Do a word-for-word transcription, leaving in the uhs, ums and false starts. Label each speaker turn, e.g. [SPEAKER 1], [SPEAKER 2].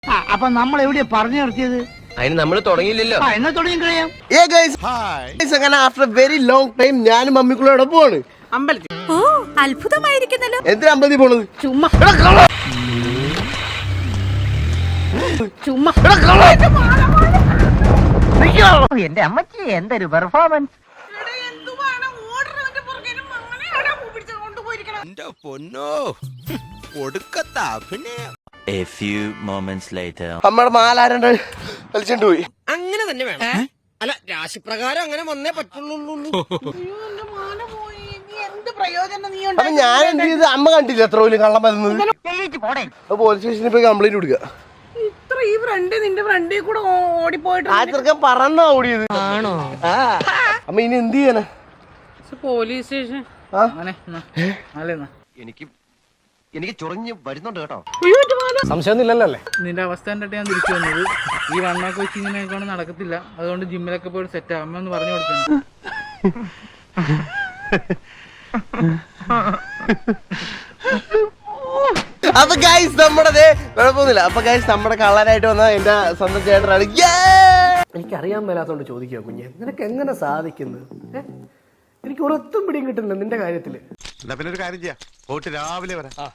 [SPEAKER 1] അപ്പൊ നമ്മൾ എവിടെയാ പറഞ്ഞു നിർത്തിയത്?
[SPEAKER 2] അതിന് നമ്മൾ തുടങ്ങിയില്ലല്ലോ.
[SPEAKER 1] എന്നാ തുടങ്ങി കഴിയാം.
[SPEAKER 3] അങ്ങനെ ആഫ്റ്റർ വെരി ലോങ് ടൈം ഞാനും മമ്മിക്കുള്ളോടെ പോവാണ്
[SPEAKER 1] അമ്പലത്തിൽ.
[SPEAKER 4] ഓ അത്ഭുതമായിരിക്കുന്നല്ലോ.
[SPEAKER 3] എന്തിനാ അമ്പലത്തിൽ പോണത്?
[SPEAKER 4] ചുമ്മാ ചുമ്മാ
[SPEAKER 1] എന്റെ അമ്മച്ചി എന്തൊരു performance.
[SPEAKER 5] A few moments later.
[SPEAKER 3] നമ്മുടെ മാലാരണ്ട് വലിച്ചോണ്ട് പോയി.
[SPEAKER 2] അങ്ങനെ തന്നെ വേണം. അല്ല രാശിപ്രകാരം അങ്ങനെ വന്നേ പറ്റുള്ളൂ.
[SPEAKER 3] അപ്പൊ ഞാൻ എന്ത് ചെയ്ത് അമ്മ കണ്ടില്ല എത്ര പോലും കള്ളം വരുന്നത്. പോലീസ് സ്റ്റേഷനിൽ പോയി കംപ്ലൈന്റ് കൊടുക്കുക.
[SPEAKER 1] ഇത്ര ഈ ഫ്രണ്ട് നിന്റെ ഫ്രണ്ടിൽ കൂടെ ഓടിപ്പോയിട്ട്
[SPEAKER 3] ആ ചെറുക്കൻ പറന്നാ ഓടിയത്.
[SPEAKER 2] ആണോ?
[SPEAKER 3] അമ്മ ഇനി എന്ത് ചെയ്യാനാ?
[SPEAKER 1] പോലീസ് സ്റ്റേഷൻ
[SPEAKER 2] എനിക്ക് എനിക്ക് ചൊറിഞ്ഞ് വരുന്നുണ്ട് കേട്ടോ.
[SPEAKER 3] സംശയമൊന്നുമില്ലല്ലോ അല്ലേ?
[SPEAKER 6] നിന്റെ അവസ്ഥ കണ്ടിട്ട് ഞാൻ തിരിച്ചു വന്നത്. ഈ വണ്ണൊക്കെ വെച്ച് ഇങ്ങനെയൊക്കെ നടക്കത്തില്ല. അതുകൊണ്ട് ജിമ്മിലൊക്കെ പോയിട്ട് സെറ്റ് ആവുമ്പോ ഒന്ന് പറഞ്ഞു കൊടുക്കണം.
[SPEAKER 3] അപ്പൊ ഗൈസ് നമ്മുടെ കുഴപ്പമൊന്നുമില്ല. അപ്പൊ ഗൈസ് നമ്മുടെ കളറായിട്ട് വന്ന എന്റെ സ്വന്തം ചേട്ടനാണ്. എനിക്കറിയാൻ മേലാത്തോണ്ട് ചോദിക്കുക കുഞ്ഞെ, നിനക്ക് എങ്ങനെ സാധിക്കുന്നത്? എനിക്ക് ഒരൊത്തും പിടിയും കിട്ടുന്നില്ല നിന്റെ കാര്യത്തില്.
[SPEAKER 7] എന്നാ പിന്നെ ഒരു കാര്യം ചെയ്യാം, പോയിട്ട് രാവിലെ വരാം.